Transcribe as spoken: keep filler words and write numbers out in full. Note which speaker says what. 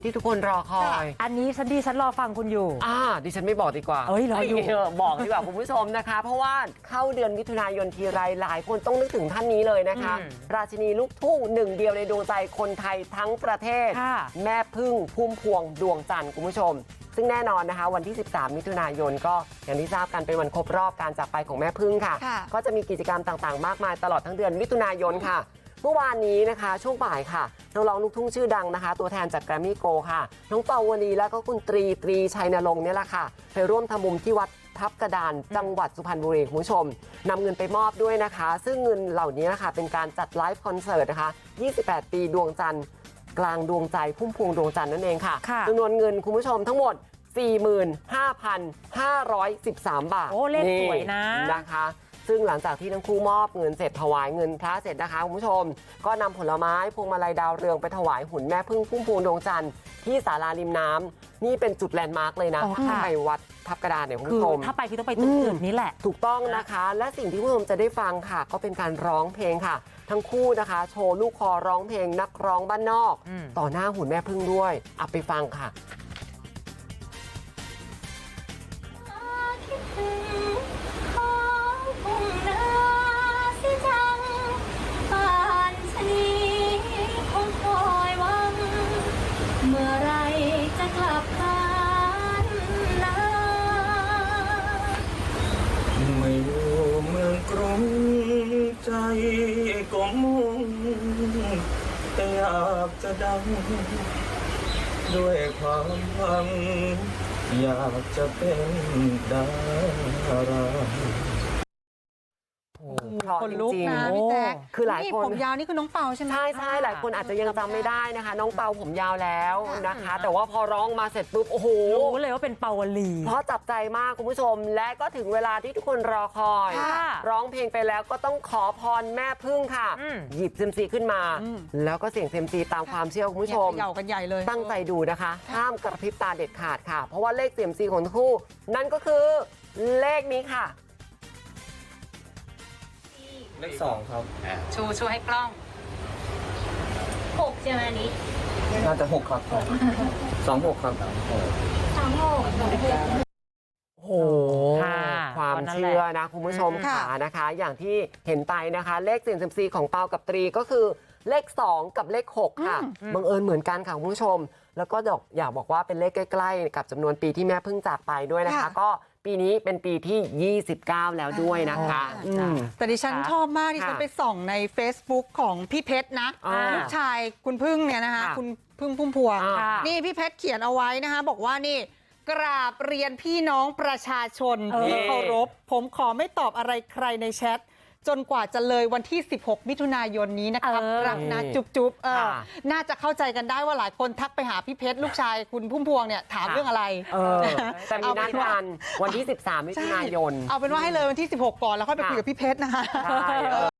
Speaker 1: ที่ทุกคนรอคอย
Speaker 2: อันนี้ฉันดีฉันรอฟังคุณอยู่
Speaker 1: อ่าดิฉันไม่บอกดีกว่า
Speaker 2: เอ้ยรออยู่
Speaker 1: บอกดีกว่าคุณผู้ชมนะคะ เพราะว่าเข้าเดือนมิถุนายนทีไรหลายคนต้องนึกถึงท่านนี้เลยนะคะ ราชินีลูกทุ่งหนึ่งเดียวในดวงใจคนไทยทั้งประเทศ แม่พึ่งพุ่มพวงดวงจันทร์คุณผู้ชม ซึ่งแน่นอนนะคะวันที่สิบสามมิถุนายนก็อย่างที่ทราบกันเป็นวันครบรอบการจากไปของแม่พึ่งค่ะก็จะมีกิจกรรมต่างๆมากมายตลอดทั้งเดือนมิถุนายนค่ะเมื่อวานนี้นะคะช่วงบ่ายค่ะนักร้องลูกทุ่งชื่อดังนะคะตัวแทนจากแกรมมี่โกค่ะน้องเปาวลีและก็คุณตรีตรีชัยนรงค์เนี่ยแหละค่ะไปร่วมทำบุญที่วัดทับกระดานจังหวัดสุพรรณบุรีคุณผู้ชมนำเงินไปมอบด้วยนะคะซึ่งเงินเหล่านี้นะคะเป็นการจัดไลฟ์คอนเสิร์ตนะคะยี่สิบแปดปีดวงจันทร์กลางดวงใจพุ่มพวงดวงจันทร์นั่นเองค่ะจำนวนเงินคุณผู้ชมทั้งหมด สี่หมื่นห้าพันห้าร้อยสิบสาม บาท
Speaker 2: โอ้เลขสวยนะ
Speaker 1: นะคะซึ่งหลังจากที่ทั้งคู่มอบเงินเสร็จถวายเงินพระเสร็จนะคะคุณผู้ชมก็นำผลไม้พวงมาลัยดาวเรืองไปถวายหุ่นแม่พึ่งพุ่มพวงดวงจันทร์ที่ศาลาริมน้ำนี่เป็นจุดแลนด์มาร์กเลยนะถ้าไปวัดทับกระดานเนี่ยคุณผู้ชม
Speaker 2: ถ้าไปคือต้องไปจุดอื่นนี้แหละ
Speaker 1: ถูกต้องนะคะและสิ่งที่คุณผู้ชมจะได้ฟังค่ะก็เป็นการร้องเพลงค่ะทั้งคู่นะคะโชว์ลูกคอร้องเพลงนักร้องบ้านนอกต่อหน้าหุ่นแม่พึ่งด้วยเอาไปฟังค่ะ
Speaker 3: เมื่อไรจะกลับบ้านนะ
Speaker 4: ไม่อยู่เมืองกรุงใจก็มุ่งแต่อยากจะดังด้วยความหวังอยากจะเป็นดารา
Speaker 1: คนลุกนะ
Speaker 5: พี่แจ๊ค
Speaker 1: คือหลายคน
Speaker 5: ผมยาวนี่คือน้องเปาใช่ไหม
Speaker 1: ใช่ใช่หลายคนอาจจะยังจำไม่ได้นะคะน้องเปาผมยาวแล้วนะคะแต่ว่าพอร้องมาเสร็จปุ๊บโอ้โห
Speaker 2: รู้เลยว่าเป็นเปาวลี
Speaker 1: เพราะจับใจมากคุณผู้ชมและก็ถึงเวลาที่ทุกคนรอคอยร้องเพลงไปแล้วก็ต้องขอพรแม่พึ่งค่ะหยิบเซมซีขึ้นมาแล้วก็เสี่ยงเซมซีตามความเชื่อคุณผู้ชม
Speaker 5: เก่ากันใหญ่เลย
Speaker 1: ตั้งใจดูนะคะห้ามกระพริบตาเด็ดขาดค่ะเพราะว่าเลขเซมซีของทั้งคู่นั่นก็คือเลขนี้ค่ะ
Speaker 4: เลขสองครับ
Speaker 3: ชูชูให้กล้องหกใช่ไหมนี้
Speaker 4: น่าจะหกครับสองหกครับ
Speaker 3: สองหก
Speaker 1: โอ้โหความเชื่อนะคุณผู้ชมค่ะนะคะอย่างที่เห็นไปนะคะเลขเสี่ยงเซียมซีของเปากับตรีก็คือเลขสองกับเลขหกค่ะบังเอิญเหมือนกันค่ะคุณผู้ชมแล้วก็อยากบอกว่าเป็นเลขใกล้ๆกับจำนวนปีที่แม่เพิ่งจากไปด้วยนะคะก็ปีนี้เป็นปีที่ยี่สิบเก้าแล้วด้วยนะคะ
Speaker 5: แต่ดิฉันชอบมากดิฉันไปส่องใน Facebook ของพี่เพชรนะลูกชายคุณพึ่งเนี่ยนะคะคุณพึ่งพุ่มพวงนี่พี่เพชรเขียนเอาไว้นะคะบอกว่านี่กราบเรียนพี่น้องประชาชนที่เคารพผมขอไม่ตอบอะไรใครในแชทจนกว่าจะเลยวันที่สิบหกมิถุนายนนี้นะครับรักนะจุ๊บจุ๊บน่าจะเข้าใจกันได้ว่าหลายคนทักไปหาพี่เพชรลูกชายคุณพุ่มพวงเนี่ยถามเรื่องอะไร
Speaker 1: แต่มีนัดกันวันที่สิบสามมิถุนายน
Speaker 5: เอาเป็นว่าให้เลยวันที่สิบหกก่อนแล้วค่อยไปคุยกับพี่เพชรนะคะ